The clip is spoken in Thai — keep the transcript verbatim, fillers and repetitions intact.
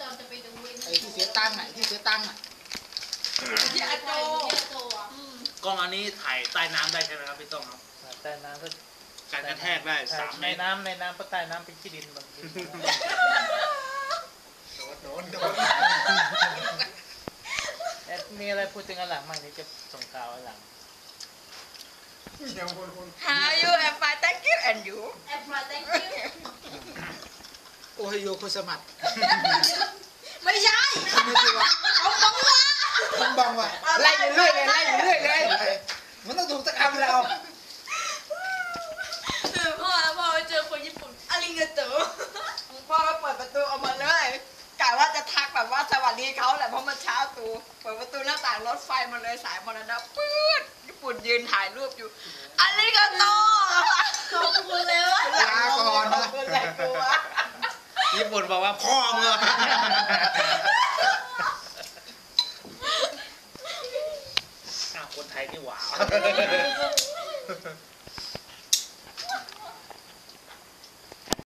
อนจะไปดูไอ้ที่เสียตังค์อ่ะที่เสียตังค์อ่ะที่อาโจกล้องอันนี้ถ่ายใต้น้ำได้ใช่ไหมครับพี่ต้องครับใต้น้ำก็การกระแทกได้สามเมตรในน้ำในน้ำก็ใต้น้ำเป็นขี้ดินบางทีโดนโดนมีอะไรพูดถึงอันหลังมั่งนี่จะส่งข่าวอันหลัง How you am fine thank you and you am fine thank you โอไฮโอโคสมัตไม่ใช่ไม่ใช่ว่าเอาบังวะบังบังวะไล่เรื่อยเลยไล่เรื่อยเลยมันต้องถูกสักคำแล้วคือพ่อแล้วพ่อไปเจอคนญี่ปุ่นอาริเงโตพ่อก็เปิดประตูออกมาเลยกะว่าจะทักแบบว่าสวัสดีเขาแหละเพราะมันเช้าตูเปิดประตูหน้าต่างรถไฟมาเลยสายมรณะปื๊ดญี่ปุ่นยืนถ่ายรูปอยู่อาริเงโตขอบคุณเลยวะลาก่อนนะญี่ปุ่นบอกว่าพ่อเมื่อคนไทยนี่หวา